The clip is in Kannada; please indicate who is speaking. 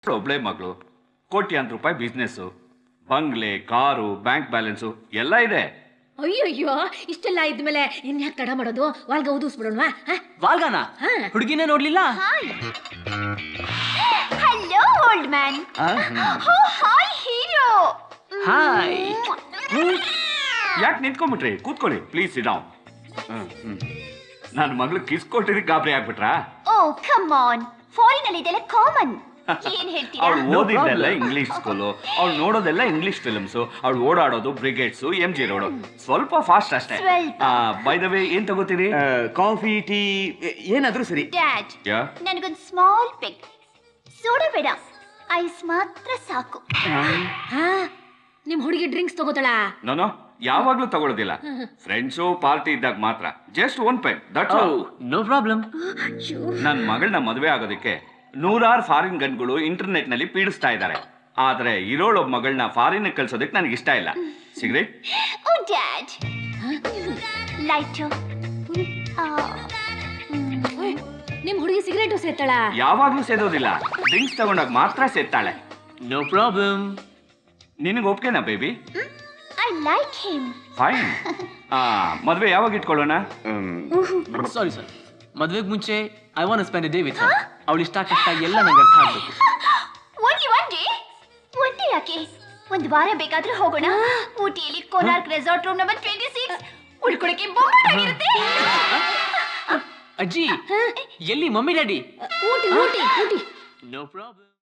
Speaker 1: ಒಬ್ಳೆ ಮಗಳು, ಕೋಟ್ಯಾಂತರ ರೂಪಾಯಿ ಬಿಸ್ನೆಸ್, ಬಂಗ್ಲೆ, ಕಾರು, ಬ್ಯಾಂಕ್ ಬ್ಯಾಲೆನ್ಸು ಎಲ್ಲ ಇದೆ.
Speaker 2: ಅಯ್ಯಯ್ಯೋ, ಇಷ್ಟೆಲ್ಲ ಇದ್ಮೇಲೆ ಇನ್ಯಾಕೆ ತಡ ಮಾಡೋದು? ವಾಲ್ಗ ಊದಿಸ್ಬಿಡೋಣ.
Speaker 3: ವಾಲ್ಗಾನ ಹುಡುಗಿನೇ ನೋಡ್ಲಿಲ್ಲ.
Speaker 4: Hello old man. Hi hero.
Speaker 3: Hi.
Speaker 1: ಯಾಕೆ ನಿಂತ್ಕೊಂಡ್ಬಿಟ್ರಿ? ಕೂತ್ಕೊಳ್ಳಿ ಪ್ಲೀಸ್. ಡೌನ್. ನನ್ನ ಮಗಳು ಕಿಸ್ ಕೊಟ್ಟಿದ್ದಕ್ಕೆ ಗಾಬರಿ ಆಗ್ಬಿಟ್ರಾ?
Speaker 4: ಓ ಕಮ್ ಆನ್, ಫಾರಿನ್ ಅಲ್ಲಿ ಇದೆಲ್ಲ ಕಾಮನ್. ಏನ್ ಹೇಳ್ತೀರಾ?
Speaker 1: ಅವಳು ಓದಿದ್ದೆಲ್ಲ ಇಂಗ್ಲಿಷ್ ಸ್ಕೂಲು, ಅವಳು ನೋಡೋದೆಲ್ಲ ಇಂಗ್ಲಿಷ್ ಫಿಲ್ಮ್ಸ್, ಅವಳು ಓಡಾಡೋದು ಬ್ರಿಗೇಡ್ಸ್, MG ರೋಡ್. ಸ್ವಲ್ಪ ಫಾಸ್ಟ್ ಅಷ್ಟೇ. ಬೈ ದ ವೇ, ಏನ್ ತಗೋತೀರಿ?
Speaker 3: ಕಾಫಿ, ಟೀ, ಏನಾದ್ರೂ ಸರಿ.
Speaker 4: ಡ್ಯಾಡ್,
Speaker 1: ಯಾ
Speaker 4: ನನಗೊಂದು ಸ್ಮಾಲ್ ಪೆಗ್. ಸೋಡಾ ಬೇಡ, ಐಸ್ ಮಾತ್ರ ಸಾಕು.
Speaker 2: ನಿಮ್ ಹುಡುಗಿ ಡ್ರಿಂಕ್ಸ್ ತಗೋತಾಳ?
Speaker 1: ನಾನು ಯಾವಾಗ್ಲೂ ತಗೊಳ್ಳೋದಿಲ್ಲ. ಫ್ರೆಂಡ್ಸು ಪಾರ್ಟಿ ಇದ್ದಾಗ ಮಾತ್ರ. Just one peg, that's all.
Speaker 3: No problem.
Speaker 1: ನನ್ನ ಮಗಳನ್ನ ಮದುವೆ ಆಗೋದಕ್ಕೆ 100 ಫಾರಿನ್ ಗನ್ಗಳು ಇಂಟರ್ನೆಟ್ ನಲ್ಲಿ ಪೀಡಿಸ್ತಾ ಇದ್ದಾರೆ. ಆದ್ರೆ ಇರೋಳೊಬ್ಬ ಮಗಳನ್ನ ಫಾರಿನ್ ಕಳ್ಸೋದಕ್ಕೆ ನನಗೆ ಇಷ್ಟ ಇಲ್ಲ. ಸಿಗರೇಟ್?
Speaker 4: Oh dad, lighter.
Speaker 2: ನಿಮ್ ಹುಡುಗಿ ಸಿಗರೇಟು ಸೇತಾಳ?
Speaker 1: ಯಾವಾಗ್ಲೂ ಸೇದೋದಿಲ್ಲ, ಡ್ರಿಂಕ್ಸ್ ತಗೊಂಡಾಗ ಮಾತ್ರ ಸೇತಾಳೆ.
Speaker 3: No problem.
Speaker 1: ನಿನಗೆ ಒಪ್ಕೆನಾ baby?
Speaker 4: I like him.
Speaker 1: Fine. ಮದುವೆ ಯಾವಾಗ ಇಟ್ಕೊಳ್ಳೋಣ?
Speaker 3: ಸಾರಿ ಸರ್, ಮದ್ವೆಗೆ ಮುಂಚೆ I want to spend a day with her. ಅವಳು ಇಷ್ಟ ಕಷ್ಟ ಎಲ್ಲ ನಂಗೆ ಅರ್ಥ ಆಗ್ಬೇಕು.
Speaker 4: ಒಂದೇ ಯಾಕೆ, ಒಂದು ವಾರ ಬೇಕಾದ್ರೂ ಹೋಗೋಣ. ಊಟಿಯಲ್ಲಿ ಕೋನಾರ್ಕ್ ರೆಸಾರ್ಟ್ ರೂಮ್ ನಂಬರ್ 26 ಉಳ್ಕೊಳಕ್ಕೆ ಬೊಂಬಾಟಾಗಿರುತ್ತೆ.
Speaker 3: ಅಜ್ಜಿ, ಎಲ್ಲಿ mummy daddy?
Speaker 2: Ooty Ooty Ooty.
Speaker 3: No problem.